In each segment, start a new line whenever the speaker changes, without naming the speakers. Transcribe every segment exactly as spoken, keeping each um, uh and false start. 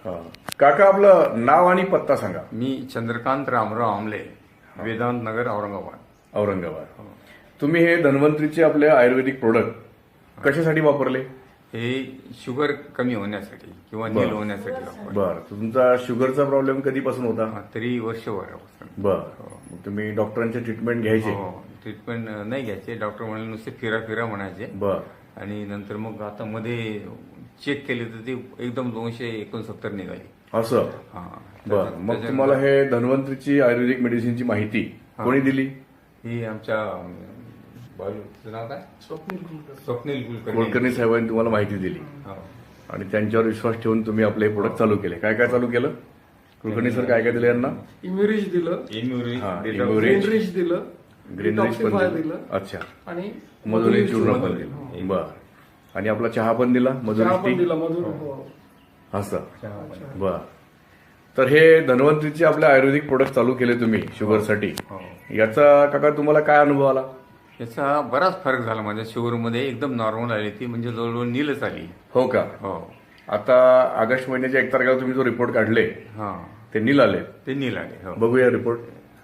हा. काका आपलं नाव आणि पत्ता सांगा.
मी चंद्रकांत रामराव आमले, वेदांत नगर, औरंगाबाद.
औरंगाबाद. तुम्ही हे धन्वंतरीचे आपले आयुर्वेदिक प्रोडक्ट कशासाठी वापरले?
हे शुगर कमी होण्यासाठी किंवा नील होण्यासाठी वापरले.
बर, तुमचा शुगरचा प्रॉब्लेम कधीपासून होता?
हा, तरी वर्षभरापासून.
बर, मग तुम्ही डॉक्टरांचे ट्रीटमेंट घ्यायचे?
हो, ट्रीटमेंट नाही घ्यायचे. डॉक्टर म्हणाले नुसते फिरा फिरा म्हणायचे.
बर.
आणि नंतर मग आता मध्ये चेक केले तर ते एकदम दोनशे एकोणसत्तर निघाली.
असं?
हा.
बर, मग तुम्हाला हे धन्वंतरीची आयुर्वेदिक मेडिसिनची माहिती कोणी दिली?
ही आमच्या बालूचं नाव काय? स्वप्नील कुलकर्णी.
कुलकर्णी साहेबांनी तुम्हाला माहिती दिली
हो.
आणि त्यांच्यावर विश्वास ठेवून तुम्ही आपले प्रोडक्ट चालू केले. काय काय चालू केलं? कुलकर्णी सर काय काय दिलं यांना?
इम्युरिज दिलं,
इम्युरी-
हा,
डेटा-
इम्युरी-
ग्रीनरिच दिलं,
ग्रीनरिच पण
डिटॉक्सिफाय
दिलं.
दिलं
अच्छा.
आणि
मधुरी चूर्ण पण
मधुरी.
दिलं. बर. आणि आपला चहा पण दिला,
चहा
मधुरी
पण
टी?
दिला मधुर. हो.
असं?
चहा पण.
बर. तर हे धन्वंतरीचे आपले आयुर्वेदिक प्रोडक्ट चालू केले तुम्ही शुगरसाठी.
हो.
याचा काका तुम्हाला काय अनुभव आला?
याचा बराच फरक झाला. माझ्या शुगरमध्ये एकदम नॉर्मल आली ती, म्हणजे जवळजवळ नीलच आली.
हो का?
हो.
आता ऑगस्ट महिन्याच्या एक तारखेला तुम्ही जो रिपोर्ट काढले
हा,
ते नील आले.
ते नील आले. हो.
बघूया रिपोर्ट.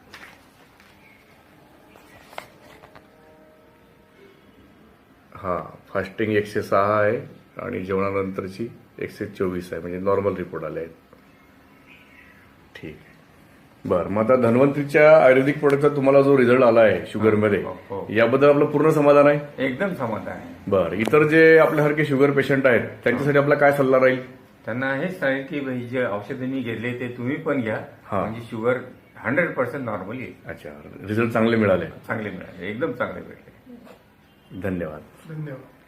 हा, फास्टिंग एकशे सहा आहे आणि जेवणानंतरची एकशे चोवीस आहे, म्हणजे नॉर्मल रिपोर्ट आले आहेत. ठीक आहे. बरं, मग आता धन्वंतरीच्या आयुर्वेदिक प्रोडक्टचा तुम्हाला जो रिझल्ट आला आहे शुगरमध्ये,
हो, हो.
याबद्दल आपलं पूर्ण समाधान आहे?
एकदम समाधान आहे.
बरं, इतर जे आपल्यासारखे शुगर पेशंट आहेत त्यांच्यासाठी आपला काय सल्ला राहील?
त्यांना हेच सांगेल की भाई जे औषधं मी घेतले ते तुम्ही पण घ्या.
हा.
म्हणजे शुगर हंड्रेड पर्सेंट नॉर्मल येईल.
अच्छा, रिझल्ट चांगले मिळाले.
चांगले मिळाले, एकदम चांगले भेटले.
धन्यवाद.
धन्यवाद.